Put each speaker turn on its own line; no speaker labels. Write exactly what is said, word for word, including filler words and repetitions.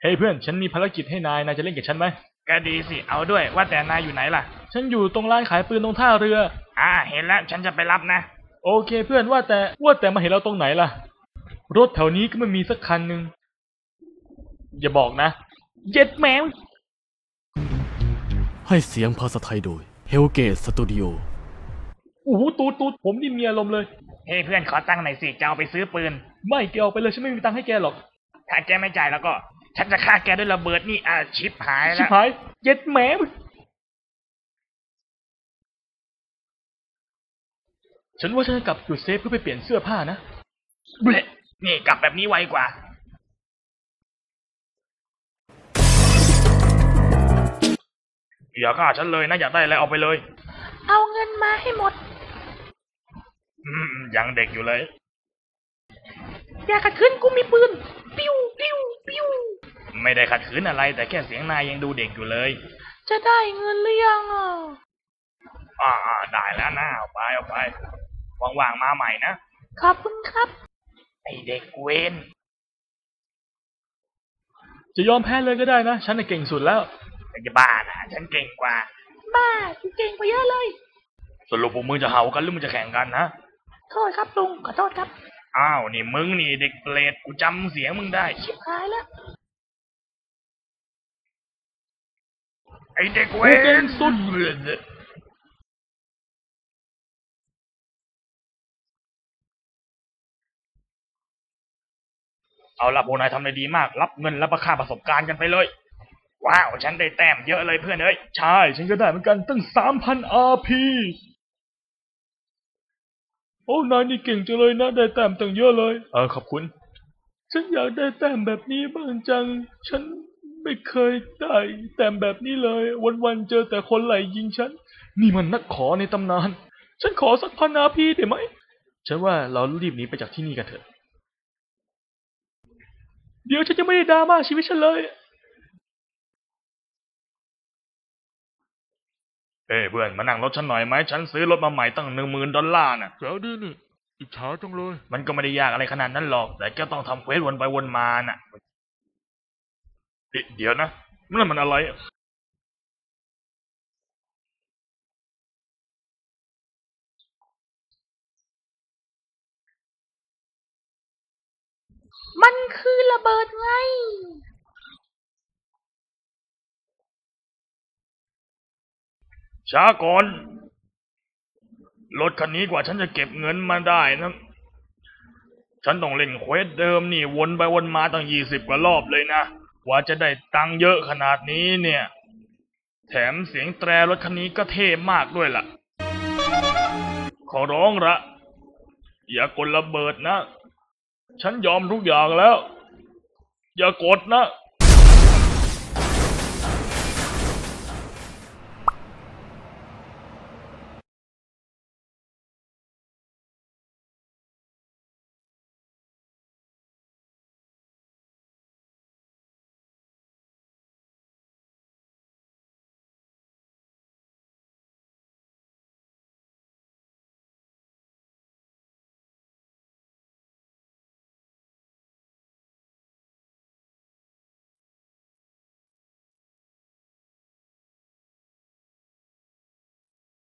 เฮ้ยเพื่อนฉันมีภารกิจให้นายนายจะเล่นกับฉันไหมก็ดีสิเอาด้วยว่าแต่นายอยู่ไหนล่ะฉันอยู่ตรงร้านขายปืนตรงท่าเรืออ่าเห็นแล้วฉันจะไปรับนะโอเคเพื่อนว่าแต่ว่าแต่มาเห็นเราตรงไหนล่ะรถแถวนี้ก็ไม่มีสักคันหนึ่งอย่าบอกนะเย็ดแมว
ให้เสียงภาษาไทยโดย Hellgate Studio
โอ้โหตูดตูดผมนี่มีอารมณ์เลยเฮ้ยเพื่อนขอตังค์หน่อยสิจะเอาไปซื้อปืนไม่แกเอาไปเลยฉันไม่มีตังค์ให้แกหรอกถ้าแกไม่จ่ายแล้วก็ฉันจะฆ่าแกด้วยระเบิดนี่อ่ะชิบหายแล้วชิบหายเย็ดแหมฉันว่าฉันจะกลับจุดเซฟเพื่อไปเปลี่ยนเสื้อผ้านะเบลนี่กลับแบบนี้ไวกว่าอย่าฆ่าฉันเลยนะอยากได้อะไรเอาไปเลย
เอาเงินมาให้หมด
อืมยังเด็กอยู่เลย
อย่าขัดขืนกูมีปืนปิ้วปิ้วปิ้ว
ไม่ได้ขัดขืนอะไรแต่แค่เสียงนายยังดูเด็กอยู่เลย
จะได้เงินหรือยังอ่ะ
อ่าได้แล้วนะเอาไปเอาไปว่างๆมาใหม่นะ
ขอบคุณครับ
ไอเด็กเวนจะยอมแพ้เลยก็ได้นะฉันน่ะเก่งสุดแล้วจะบ้านะฉันเก่งกว่า
บ้ากูเก่งกว่าเยอะเลย
สรุปพวกมึงจะเห่ากันหรือมึงจะแข่งกันนะ
โทษครับลุงขอโทษครับ
อ้าวนี่มึงนี่เด็กเปรตกูจำเสียงมึงได้
ชิบหายแล้ว
ไอเด็กเวนสุดเอาล่ะพวกนายทำได้ดีมากรับเงินและประค่าประสบการณ์กันไปเลยว้าวฉันได้แต้มเยอะเลยเพื่อนเอ้ยใช่ฉันก็ได้เหมือนกันตั้ง สามพัน อาร์ พี โอ้นายนี่เก่งจังเลยนะได้แต้มตั้งเยอะเลยเออขอบคุณฉันอยากได้แต้มแบบนี้บ้างจังฉันไม่เคยได้แต้มแบบนี้เลยวันๆเจอแต่คนไหลยิงฉันนี่มันนักขอในตำนานฉันขอสักพัน อาร์ พี ได้ไหมฉันว่าเรารีบหนีไปจากที่นี่กันเถอะเดี๋ยวฉันจะไม่ได้ดราม่าชีวิตฉันเลยเอ้เพื่อนมานั่งรถฉันหน่อยไหมฉันซื้อรถมาใหม่ตั้งหนึ่งหมื่นดอลลาร์น่ะ
แจ๋วดีนี่อิจฉาจังเลย
มันก็ไม่ได้ยากอะไรขนาดนั้นหรอกแต่ก็ต้องทำเควสวนไปวนมาน่ะเดี๋ยวนะนั่นมันอะไร
มันคือระเบิดไง
ช้าก่อนรถคันนี้กว่าฉันจะเก็บเงินมาได้นะฉันต้องเล่นเควสเดิมนี่วนไปวนมาตั้งยี่สิบกว่ารอบเลยนะกว่าจะได้ตังค์เยอะขนาดนี้เนี่ยแถมเสียงแตรรถคันนี้ก็เท่มากด้วยล่ะขอร้องละอย่ากดระเบิดนะฉันยอมทุกอย่างแล้วอย่ากดนะ